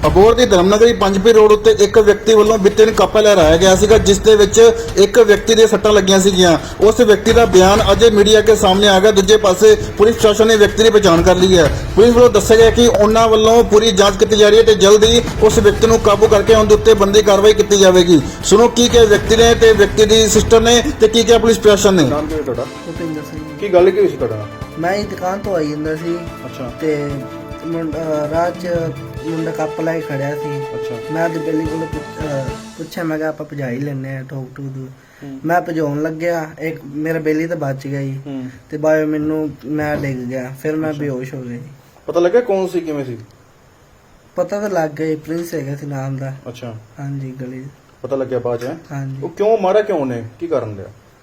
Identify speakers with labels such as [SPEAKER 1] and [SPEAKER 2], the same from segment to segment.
[SPEAKER 1] ਅਬੋਹਰ ਦੀ ਧਰਮਨਗਰੀ ਪੰਜਪੀਰ road ਉੱਤੇ ਇੱਕ ਵਿਅਕਤੀ ਵੱਲੋਂ ਬਿੱਤੇ ਨੂੰ ਕੱਪਾ ਲਹਿਰਾਇਆ ਗਿਆ ਸੀਗਾ, ਜਿਸ ਦੇ ਵਿੱਚ ਇੱਕ ਵਿਅਕਤੀ ਦੇ ਸੱਟਾਂ ਲੱਗੀਆਂ ਸੀਗੀਆਂ। ਉਸ ਵਿਅਕਤੀ ਦਾ ਬਿਆਨ ਅਜੇ ਮੀਡੀਆ ਕੇ ਸਾਹਮਣੇ ਆ ਗਿਆ। ਦੂਜੇ ਪਾਸੇ ਪੁਲਿਸ ਪ੍ਰਸ਼ਾਸਨ ਨੇ ਵਿਅਕਤੀ ਦੀ ਪਛਾਣ ਕਰ ਲਈ ਹੈ। ਪੁਲਿਸ ਵੱਲੋਂ ਦੱਸਿਆ ਗਿਆ ਕਿ ਉਹਨਾਂ ਵੱਲੋਂ ਪੂਰੀ ਜਾਂਚ ਕੀਤੀ ਜਾ ਰਹੀ ਹੈ ਤੇ ਜਲਦ ਹੀ ਉਸ ਵਿਅਕਤੀ ਨੂੰ ਕਾਬੂ ਕਰਕੇ ਉਹਨਾਂ ਦੇ ਉੱਤੇ ਬਣਦੀ ਕਾਰਵਾਈ ਕੀਤੀ ਜਾਵੇਗੀ। ਸੁਣੋ ਕੀ ਕਿਹਾ ਵਿਅਕਤੀ ਨੇ ਤੇ ਵਿਅਕਤੀ ਦੀ ਸਿਸਟਰ ਨੇ ਤੇ ਕੀ ਕਿਹਾ ਪੁਲਿਸ ਪ੍ਰਸ਼ਾਸਨ ਨੇ।
[SPEAKER 2] ਨਾਮ ਕੀ ਹੈ ਤੁਹਾਡਾ?
[SPEAKER 3] ਭੁਪਿੰਦਰ ਸਿੰਘ।
[SPEAKER 2] ਕੀ ਗੱਲ ਕੀ ਹੋਈ ਸੀ ਤੁਹਾਡਾ?
[SPEAKER 3] ਮੈਂ ਹੀ ਦੁਕਾਨ ਤੋਂ ਆਈ ਜਾਂਦਾ ਸੀ
[SPEAKER 2] ਅੱਛਾ
[SPEAKER 3] ਤੇ ਰਾਹ 'ਚ ਮੁੰਡਾ ਕੱਪ ਲੈ ਕੇ ਖੜਿਆ ਸੀ।
[SPEAKER 2] ਅੱਛਾ
[SPEAKER 3] ਮੈਂ ਤੇ ਬੇਲੀ ਕੋਲ ਪੁੱਛਿਆ, ਮੈਂ ਕਿਹਾ ਆਪਾਂ ਭਜਾ ਹੀ ਲੈਨੇ ਆ ਠੋਕ ਠੂਕ ਦੂ। ਮੈਂ ਭਜਾਉਣ ਲੱਗਿਆ, ਇੱਕ ਮੇਰਾ ਬੇਲੀ ਤਾਂ ਬਚ ਗਿਆ ਜੀ ਤੇ ਬਾਅਦ ਮੈਨੂੰ ਮੈਂ ਡਿੱਗ ਗਿਆ, ਫਿਰ ਮੈਂ ਬੇਹੋਸ਼ ਹੋ ਗਿਆ ਜੀ।
[SPEAKER 2] ਪਤਾ ਲੱਗਿਆ ਕੌਣ ਸੀ, ਕਿਵੇਂ ਸੀ?
[SPEAKER 3] ਪਤਾ ਤਾਂ ਲੱਗ ਗਿਆ, ਪ੍ਰਿੰਸ ਹੈਗਾ ਸੀ ਨਾਮ ਦਾ।
[SPEAKER 2] ਅੱਛਾ
[SPEAKER 3] ਹਾਂਜੀ ਗਲੀ 'ਚ।
[SPEAKER 2] ਪਤਾ ਲੱਗਿਆ ਬਾਅਦ ਚ?
[SPEAKER 3] ਹਾਂਜੀ
[SPEAKER 2] ਉਹ ਕਿਉਂ ਮਾਰਿਆ, ਕਿਉਂ ਨੇ, ਕੀ ਕਾਰਨ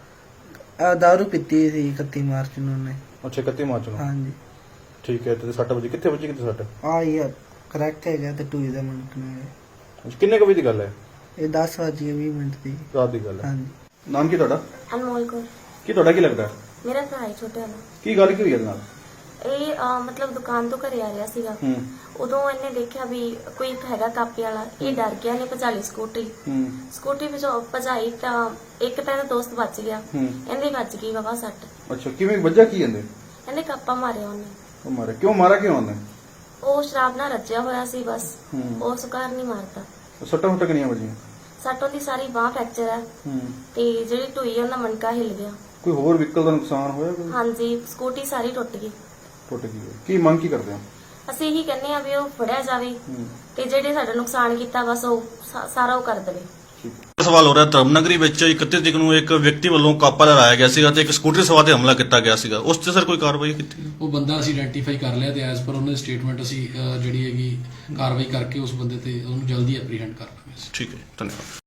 [SPEAKER 2] ਲਿਆ?
[SPEAKER 3] ਦਾਰੂ ਪੀਤੀ ਸੀ 31 ਮਾਰਚ ਨੂੰ ਉਹਨੇ।
[SPEAKER 2] ਅੱਛਾ 31 ਮਾਰਚ ਨੂੰ।
[SPEAKER 3] ਹਾਂਜੀ
[SPEAKER 2] ਠੀਕ ਹੈ। ਤੇ 6 ਵਜੇ ਕਿੱਥੇ ਵੱਜੀ, ਕਿੱਥੇ ਸੱਟ?
[SPEAKER 3] ਆ ਯਾਰ ਕਰੈਕਟ ਹੈਗਾ ਤੇ ਟੂਈ ਦਾ ਮਿੰਟ ਨੇ।
[SPEAKER 2] ਅੱਛਾ, ਕਿੰਨੇ ਕੁ ਵਜੇ ਦੀ ਗੱਲ ਹੈ?
[SPEAKER 3] ਇਹ 10:20 ਦੀ।
[SPEAKER 2] ਰਾਤ ਦੀ ਗੱਲ ਹੈ।
[SPEAKER 3] ਹਾਂਜੀ
[SPEAKER 2] ਨਾਮ ਕੀ ਤੁਹਾਡਾ?
[SPEAKER 4] ਅਨਮੋਲ ਕੌਰ।
[SPEAKER 2] ਕੀ ਤੁਹਾਡਾ ਕੀ ਲੱਗਦਾ?
[SPEAKER 4] ਮੇਰਾ ਭਰਾ ਹੈ ਛੋਟੇ ਵਾਲਾ।
[SPEAKER 2] ਕੀ ਗੱਲ ਕੀ ਹੋਈ ਇਹਦੇ ਨਾਲ?
[SPEAKER 4] ਇਹ ਮਤਲਬ ਦੁਕਾਨ ਤੋਂ ਘਰੇ ਆ ਰਿਹਾ ਸੀਗਾ।
[SPEAKER 2] ਹੂੰ
[SPEAKER 4] ਉਦੋਂ ਇਹਨੇ ਦੇਖਿਆ ਵੀ ਕੋਈ ਇੱਕ ਹੈਗਾ ਕਾਪੇ ਵਾਲਾ। ਇਹ ਡਰ ਗਿਆ, ਨੇ ਭਜਾ ਲਈ ਸਕੂਟਰੀ। ਸਕੂਟਰੀ ਭਜਾਈ ਤਾਂ ਇੱਕ ਤਾਂ ਇਹਦਾ ਦੋਸਤ ਬਚ ਗਿਆ, ਇਹਦੀ ਬਚ ਗਈ ਬਾਬਾ ਸੱਟ।
[SPEAKER 2] ਅੱਛਾ, ਕਿਵੇਂ ਵੱਜਾ, ਕੀ ਇਹਨੇ?
[SPEAKER 4] ਇਹਨੇ ਕਾਪਾ ਮਾਰਿਆ ਉਹਨੇ।
[SPEAKER 2] ਉਹ ਮਾਰਿਆ ਕਿਉਂ, ਮਾਰਿਆ ਕਿਉਂ ਉਹਨੇ?
[SPEAKER 4] ਉਹ ਸ਼ਰਾਬ ਨਾਲ ਰੱਜਿਆ ਹੋਇਆ ਸੀ ਬਸ, ਉਹ ਸੁਕਾਰ ਨਹੀਂ ਮਾਰਦਾ।
[SPEAKER 2] ਸੱਟਾਂ ਹੁੱਟਾਂ ਕਿੰਨੀਆਂ ਵੱਜੀਆਂ?
[SPEAKER 4] ਸੱਟ ਉਹਦੀ ਸਾਰੀ ਬਾਹ ਫ੍ਰੈਕਚਰ ਹੈ ਤੇ ਜਿਹੜੀ ਢੂਈ ਉਹਦਾ ਮਣਕਾ ਹਿੱਲ ਗਿਆ।
[SPEAKER 2] ਕੋਈ ਹੋਰ ਵਹੀਕਲ ਦਾ ਨੁਕਸਾਨ ਹੋਇਆ? ਕੋਈ
[SPEAKER 4] ਹਾਂਜੀ, ਸਕੂਟੀ ਸਾਰੀ ਟੁੱਟ ਗਈ।
[SPEAKER 2] ਟੁੱਟ ਗਈ ਹੈ। ਕੀ ਮੰਗ ਕੀ ਕਰਦੇ ਹੋ?
[SPEAKER 4] ਅਸੀਂ ਇਹੀ ਕਹਿੰਦੇ ਆ ਵੀ ਉਹ ਫੜਿਆ ਜਾਵੇ ਤੇ ਜਿਹੜੇ ਸਾਡਾ ਨੁਕਸਾਨ ਕੀਤਾ ਬਸ ਉਹ ਸਾਰਾ ਉਹ ਕਰ ਦੇਵੇ।
[SPEAKER 5] ਸਵਾਲ ਹੋ ਰਿਹਾ, ਧਰਮਨਗਰੀ ਵਿੱਚ 31 ਤਰੀਕ ਨੂੰ ਇੱਕ ਵਿਅਕਤੀ ਵੱਲੋਂ ਕਾਪਾ ਲਹਿਰਾਇਆ ਗਿਆ ਸੀਗਾ ਤੇ ਇੱਕ ਸਕੂਟਰੀ ਸਵਾਰ ਤੇ ਹਮਲਾ ਕੀਤਾ ਗਿਆ ਸੀਗਾ। ਉਸ ਤੇ ਸਰ ਕੋਈ ਕਾਰਵਾਈ ਕੀਤੀ?
[SPEAKER 6] ਉਹ ਬੰਦਾ ਅਸੀਂ ਆਇਡੈਂਟੀਫਾਈ ਕਰ ਲਿਆ ਤੇ ਐਜ਼ ਪਰ ਉਹਨਾਂ ਦੀ ਸਟੇਟਮੈਂਟ ਅਸੀਂ ਜਿਹੜੀ ਹੈਗੀ ਕਾਰਵਾਈ ਕਰਕੇ ਉਸ ਬੰਦੇ ਤੇ ਉਹਨੂੰ ਜਲਦੀ ਐਪਰੀਹੈਂਡ ਕਰ ਲਾਂਗੇ।
[SPEAKER 5] ਠੀਕ ਹੈ, ਧੰਨਵਾਦ।